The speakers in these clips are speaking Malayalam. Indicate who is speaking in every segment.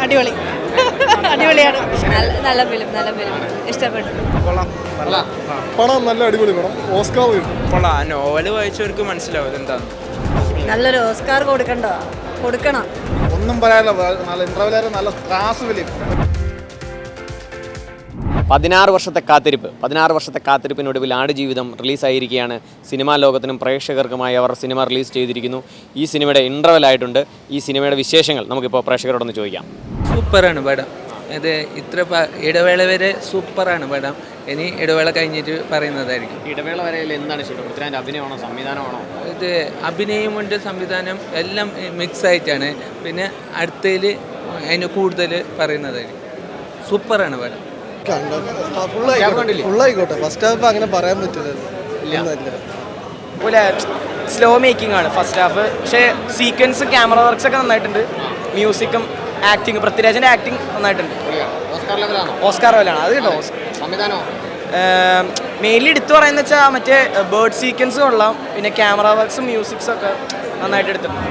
Speaker 1: അടിപൊളി അടിപൊളിയാണ്.
Speaker 2: നല്ല ഫിലിം ഇഷ്ടപ്പെട്ടു.
Speaker 3: പടം നല്ല അടിപൊളി പടം. ഓസ്കാർ കിട്ടും.
Speaker 4: നോവൽ വായിച്ചവർക്ക് മനസ്സിലാവും എന്താണ്.
Speaker 2: നല്ലൊരു ഓസ്കാർ കൊടുക്കണം.
Speaker 3: ഒന്നും പറയാനില്ല. നല്ല ഇന്റർവെൽ, നല്ല ക്ലാസ് ഫിലിം.
Speaker 5: 16 വർഷത്തെ കാത്തിരിപ്പിനൊടുവിൽ ആടുജീവിതം റിലീസായിരിക്കുകയാണ്. സിനിമാ ലോകത്തിനും പ്രേക്ഷകർക്കുമായി അവർ സിനിമ റിലീസ് ചെയ്തിരിക്കുന്നു. ഈ സിനിമയുടെ ഇൻ്റർവെൽ ആയിട്ടുണ്ട്. ഈ സിനിമയുടെ വിശേഷങ്ങൾ നമുക്കിപ്പോൾ പ്രേക്ഷകരോടൊന്ന് ചോദിക്കാം.
Speaker 4: സൂപ്പറാണ് പടം. ഇത് ഇത്ര ഇടവേള വരെ സൂപ്പറാണ് പടം. ഇനി ഇടവേള കഴിഞ്ഞിട്ട് പറയുന്നതായിരിക്കും.
Speaker 5: ഇടവേള വരെയിൽ എന്താണ് ഇഷ്ടം? പൃഥ്വിരാജിൻ്റെ അഭിനയമാണോ സംവിധാനമാണോ?
Speaker 4: ഇത് അഭിനയമുണ്ട്, സംവിധാനം എല്ലാം മിക്സ് ആയിട്ടാണ്. പിന്നെ അടുത്തതിൽ അതിന് കൂടുതൽ പറയുന്നതായിരിക്കും. സൂപ്പറാണ് പടം.
Speaker 3: ഫുള്ളായിക്കോട്ടെ. ഫസ്റ്റ് ഹാഫ് അങ്ങനെ പറയാൻ പറ്റില്ലല്ലോ.
Speaker 6: സ്ലോ മേക്കിംഗ് ആണ് ഫസ്റ്റ് ഹാഫ്. പക്ഷേ സീക്വൻസ്, ക്യാമറ വർക്ക്സ് ഒക്കെ നന്നായിട്ടുണ്ട്. മ്യൂസിക്കും ആക്ടിങ്, പൃഥ്വിരാജിന്റെ ആക്ടിങ് നന്നായിട്ടുണ്ട്. ഓസ്കാർ ലെവലാണ് അത് കേട്ടോ. മെയിൻലി എടുത്തു പറയുന്ന വെച്ചാൽ മറ്റേ ബേർഡ് സീക്വൻസ് കൊള്ളാം. പിന്നെ ക്യാമറ വർക്ക്സും മ്യൂസിക്സും ഒക്കെ നന്നായിട്ട് എടുത്തിട്ടുണ്ട്.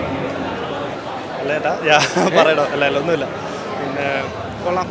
Speaker 3: ഒന്നുമില്ല. പിന്നെ കൊള്ളാം.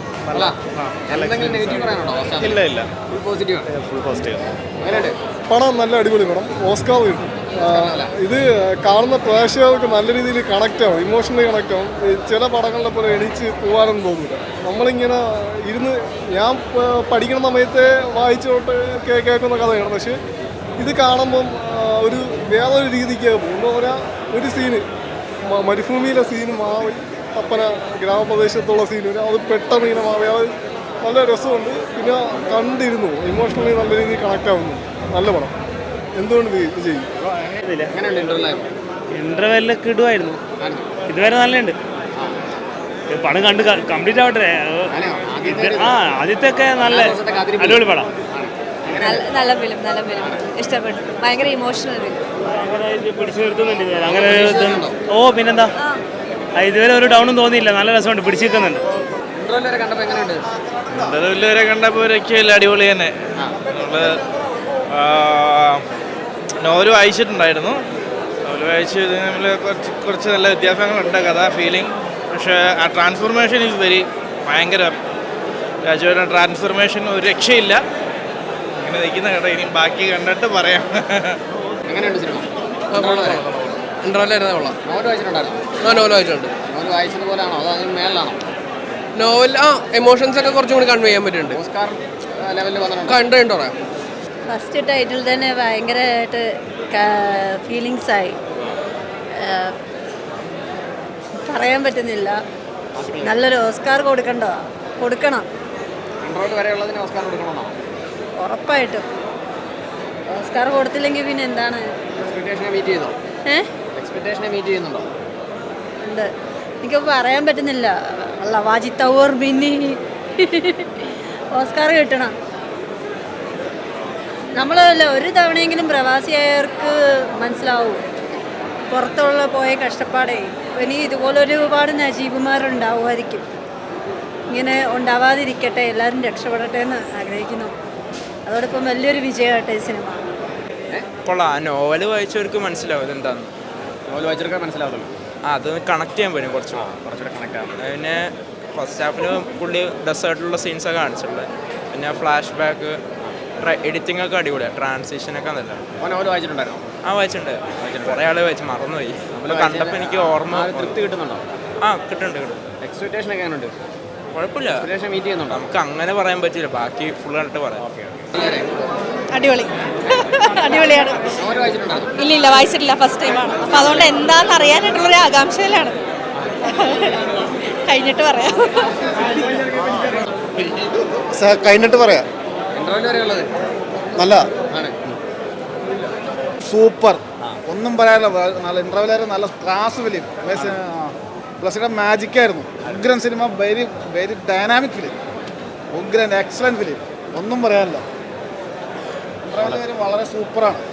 Speaker 3: ഇല്ല ഫുൾ പോസിറ്റീവ്. പടം നല്ല അടിപൊളി പടം. ഓസ്കാർ കിട്ടും. ഇത് കാണുന്ന പ്രേക്ഷകർക്ക് നല്ല രീതിയിൽ കണക്റ്റ് ആവും, ഇമോഷണലി കണക്റ്റ് ആവും. ചില പടങ്ങളിലെ പോലെ എണീച്ച് പോകാനൊന്നും തോന്നില്ല. നമ്മളിങ്ങനെ ഇരുന്ന് ഞാൻ പഠിക്കുന്ന സമയത്ത് വായിച്ചോട്ട് കേൾക്കുന്ന കഥയാണ്. പക്ഷെ ഇത് കാണുമ്പം ഒരു വേറൊരു രീതിക്ക് പോകും. എന്താ പറയുക, ഒരു സീന് മരുഭൂമിയിലെ സീന് മാറി തപ്പന ഗ്രാമപ്രദേശത്തുള്ള സീന് അത് പെട്ടെന്ന് ഇങ്ങനെ മാറി. അത് നല്ല രസമുണ്ട്. പിന്നെ കണ്ടിരുന്നു, ഇമോഷണലി നല്ല രീതിയിൽ കണക്റ്റ് ആവുന്നു. നല്ല പടം. എന്തുകൊണ്ട് ഇത് ചെയ്യും?
Speaker 7: ഇന്റർവെല്ലൊക്കെ ഇടുമായിരുന്നു. ഇതുവരെ നല്ലുണ്ട്. പടം കണ്ട് കംപ്ലീറ്റ് ആവട്ടെ. ആദ്യത്തെ ഒക്കെ നല്ല അടിപൊളി പടം.
Speaker 2: നല്ല ഫിലിം ഇഷ്ടപ്പെട്ടു. ഭയങ്കര ഇമോഷണൽ ഫിലിം.
Speaker 7: പിടിച്ചു നിർത്തുന്നുണ്ട് അങ്ങനെ. ഓ പിന്നെന്താ, ഇതുവരെ ഒരു ഡൗണും തോന്നിയില്ല. നല്ല രസമുണ്ട്, പിടിച്ചു നിൽക്കുന്നുണ്ട്.
Speaker 8: ഇന്റർവെൽ വരെ കണ്ടപ്പോൾ രക്ഷയില്ല, അടിപൊളി തന്നെ. നമ്മള് നോവൽ വായിച്ചിട്ടുണ്ടായിരുന്നു. നോവൽ വായിച്ച് നമ്മൾ കുറച്ച് നല്ല വ്യത്യാസങ്ങളുണ്ട്, കഥ, ഫീലിംഗ്. പക്ഷേ ആ ട്രാൻസ്ഫോർമേഷൻ ഈസ് ഭയങ്കര. രാജുവിൻ്റെ ട്രാൻസ്ഫോർമേഷൻ ഒരു രക്ഷയില്ല. ഇങ്ങനെ നിൽക്കുന്ന കഥ ഇനി ബാക്കി കണ്ടിട്ട് പറയാം.
Speaker 5: എങ്ങനെയുണ്ട് സിനിമ?
Speaker 6: നോവൽ എമോഷൻസ് ഒക്കെ കുറച്ചും കൂടി കൺവേ ചെയ്യാൻ പറ്റുന്നുണ്ട്. കണ്ടോ?
Speaker 2: ഫസ്റ്റ് ടൈറ്റിൽ തന്നെ ഭയങ്കരമായിട്ട് ഫീലിങ്സ് ആയി. പറയാൻ പറ്റുന്നില്ല. നല്ലൊരു ഓസ്കാർ കൊടുക്കണം. ഉറപ്പായിട്ടും. ഓസ്കാർ കൊടുത്തില്ലെങ്കിൽ പിന്നെ എന്താണ്? ഉണ്ട്. എനിക്ക് പറയാൻ പറ്റുന്നില്ല. വാജിദ് തൗർ പിന്നെ ഓസ്കാർ കിട്ടണം. നമ്മളല്ല ഒരു തവണയെങ്കിലും പ്രവാസിയായവർക്ക് മനസ്സിലാവും പുറത്തുള്ള പോയ കഷ്ടപ്പാടേ. ഇനി ഇതുപോലെ ഒരുപാട് നജീബുമാരുണ്ടാവുമായിരിക്കും. ഇങ്ങനെ ഉണ്ടാവാതിരിക്കട്ടെ, എല്ലാവരും രക്ഷപ്പെടട്ടെ എന്ന് ആഗ്രഹിക്കുന്നു. അതോടൊപ്പം വലിയൊരു വിജയമാട്ടെ ഈ സിനിമ.
Speaker 4: നോവൽ വായിച്ചവർക്ക് മനസ്സിലാവും ഇതെന്താന്ന്.
Speaker 5: നോവൽ വായിച്ചവർക്ക് മനസ്സിലാവുമല്ലോ.
Speaker 4: അത് കണക്ട് ചെയ്യാൻ പറ്റും കുറച്ചുകൂടെ കണക്ട് ആവും. പിന്നെ ഫസ്റ്റ് ഹാഫിന് പുള്ളി ഡെസേർട്ടിലുള്ള സീൻസൊക്കെ കാണിച്ചിട്ടുണ്ട്. പിന്നെ ഫ്ലാഷ് ബാക്ക്, എഡിറ്റിംഗ് ഒക്കെ അടിപൊളിയാണ്. ട്രാൻസിഷനൊക്കെ നല്ല.
Speaker 5: വായിച്ചിട്ടുണ്ടായിരുന്നു?
Speaker 4: വായിച്ചിട്ടുണ്ട്. കുറേ ആൾ വായിച്ച് മറന്നുപോയി. നമ്മൾ കണ്ടപ്പോൾ എനിക്ക് ഓർമ്മ.
Speaker 5: തൃപ്തി കിട്ടുന്നുണ്ടോ?
Speaker 4: കിട്ടുന്നുണ്ട്.
Speaker 5: എക്സ്പെക്ടേഷൻ ഒക്കെ എങ്ങനെയുണ്ട്?
Speaker 4: കുഴപ്പമില്ല.
Speaker 5: മീറ്റ് ചെയ്യുന്നുണ്ടോ?
Speaker 4: നമുക്ക് അങ്ങനെ പറയാൻ പറ്റില്ല, ബാക്കി ഫുൾ കണ്ടിട്ട് പറയാം.
Speaker 1: അടിപൊളിയാണ്. ഇല്ല വായിച്ചിട്ടില്ല, ഫസ്റ്റ് ടൈമാണ്. അപ്പം അതുകൊണ്ട് എന്താണെന്ന് അറിയാനായിട്ടുള്ളൊരു ആകാംക്ഷയിലാണ്. കഴിഞ്ഞിട്ട് പറയാം.
Speaker 3: നല്ല സൂപ്പർ. ഒന്നും പറയാനില്ല. നല്ല ഇന്റർവെൽ, നല്ല ക്ലാസ് ഫിലിം. പ്ലസ് മാജിക്കായിരുന്നു. ഉഗ്രൻ സിനിമ. Very dynamic film. ഉഗ്രൻ എക്സലന്റ് ഫിലിം. ഒന്നും പറയാനില്ല. ഇന്റർവെൽ വളരെ സൂപ്പറാണ്.